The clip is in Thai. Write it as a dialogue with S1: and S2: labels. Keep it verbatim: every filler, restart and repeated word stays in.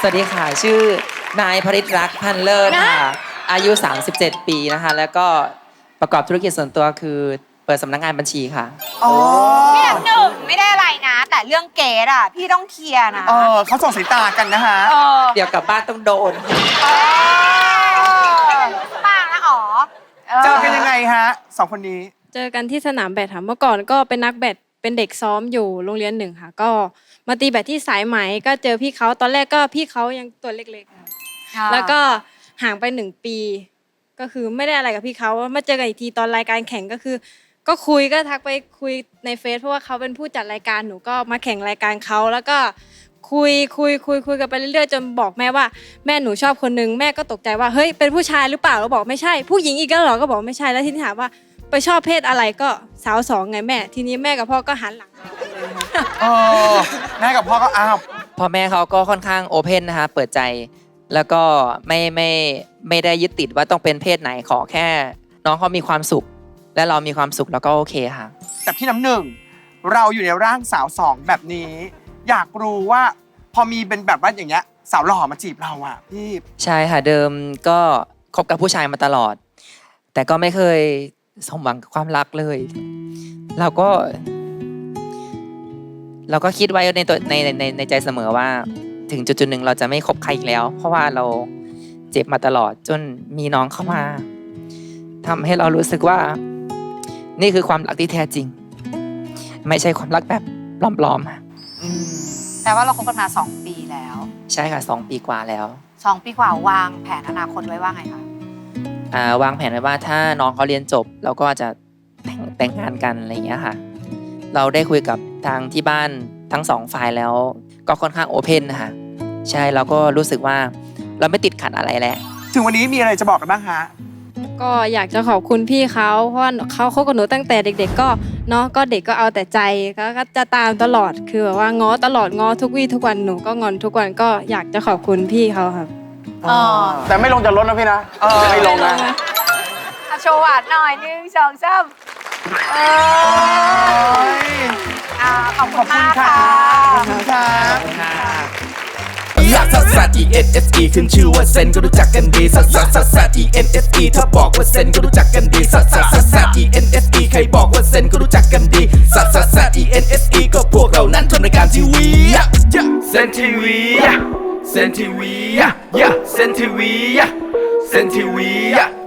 S1: สวัสดีค่ะชื่อนายพริตรักษ์พันเลิศค่ะอายุสามสิบเจ็ดปีนะคะแล้วก็ประกอบธุรกิจส่วนตัวคือเปิดสำนักงานบัญชีค่ะ
S2: อ๋อ
S3: พี่น้ำหนึ่งไม่ได้อะไรนะ แต่เรื่องเกดอ่ะพี่ต้องเคลียร์นะ
S2: เออเขาส่งสายตากันนะฮะ
S3: เออ
S1: เดี๋ยวกลับบ้านต้องโดน
S3: เออบ้างนะอ๋อ
S2: เจอกันยังไงฮะสองคนนี้
S4: เจอกันที่สนามแบดค่ะเมื่อก่อนก็เป็นนักแบดเป็นเด็กซ้อมอยู่โรงเรียนหนึ่งค่ะก็มาตีแบดที่สายไหมก็เจอพี่เขาตอนแรกก็พี่เขายังตัวเล็กๆค่ะแล้วก็ห่างไปหนึ่งปีก็คือไม่ได้อะไรกับพี่เขามาเจอกันอีกทีตอนรายการแข่งก็คือก็คุยก็ทักไปคุยในเฟซเพราะว่าเขาเป็นผู้จัดรายการหนูก็มาแข่งรายการเขาแล้วก็คุยคุยคุยคุยกันไปเรื่อยๆจนบอกแม่ว่าแม่หนูชอบคนนึงแม่ก็ตกใจว่าเฮ้ยเป็นผู้ชายหรือเปล่าเราบอกไม่ใช่ผู้หญิงอีกแล้วเหรอก็บอกไม่ใช่แล้วทีนี้ถามว่าไปชอบเพศอะไรก็สาวสองไงแม่ทีนี้แม่กับพ่อก็หันหลังเลย
S2: เออแม่กับพ่อก็อ้าว
S1: พ่อแม่เขาก็ค่อนข้างโอเพนนะคะเปิดใจแล้วก็ไม่ไม่ไม่ได้ยึดติดว่าต้องเป็นเพศไหนขอแค่น้องเขามีความสุขและเรามีความสุขแล้วก็โอเคค่ะ
S2: แต่พี่น้ำหนึ่งเราอยู่ในร่างสาวสองแบบนี้อยากรู้ว่าพอมีเป็นแบบว่าอย่างเงี้ยสาวหล่อมาจีบเราอ่ะพี่
S1: ใช่ค่ะเดิมก็คบกับผู้ชายมาตลอดแต่ก็ไม่เคยสมหวังกับความรักเลยเราก็เราก็คิดไว้ในตัวในในในใจเสมอว่าถึงจุดจุดหนึ่งเราจะไม่คบใครอีกแล้วเพราะว่าเราเจ็บมาตลอดจนมีน้องเข้ามาทำให้เรารู้สึกว่านี่คือความรักที่แท้จริงไม่ใช่ความรักแบบปลอมๆ
S3: แต่ว่าเราคบกันมาสองปีแล้ว
S1: ใช่ค่ะสองปีกว่าแล้ว
S3: สองปีกว่าวางแผนอนาคตไว้ว่าไงคะ
S1: อ่าวางแผนไว้ว่าถ้าน้องเขาเรียนจบเราก็จะแต่งแต่งงานกันอะไรอย่างเงี้ยค่ะเราได้คุยกับทางที่บ้านทั้งสองฝ่ายแล้วก็ค่อนข้างโอเพนนะคะใช่เราก็รู้สึกว่าเราไม่ติดขัดอะไรแล้ว
S2: ถึงวันนี้มีอะไรจะบอกกันบ้างฮะ
S4: ก็อยากจะขอบคุณพี่เขาเพราะว่าเขาคบกับหนูตั้งแต่เด็กๆก็เนาะก็เด็กก็เอาแต่ใจก็จะตามตลอดคือแบบว่าง้อตลอดง้อทุกวี่ทุกวันหนูก็งอนทุกวันก็อยากจะขอบคุณพี่เขาครับ
S5: แต่ไม่ลงจากรถนะพี่นะไม่ลงนะ
S3: โชว์หวานหน่อยหนึ่งสองสามเออขอบคุณมากค่ะ
S2: ขอบคุณค่ะ
S6: ลักซัสซัส E N S E ขึ้นชื่อว่าเซนก็รู้จักกันดีซัสซัสซัสซัส E N S E ถ้าบอกว่าเซนก็รู้จักกันดีซัสซัสซัสซัส E N S E ใครบอกว่าเซนก็รู้จักกันดีซัสซัสซัส E N S E ก็พวกเรานั้นทำรายการทีวีเซนทีวีเซนทีวีเซนทีวีเซนทีวี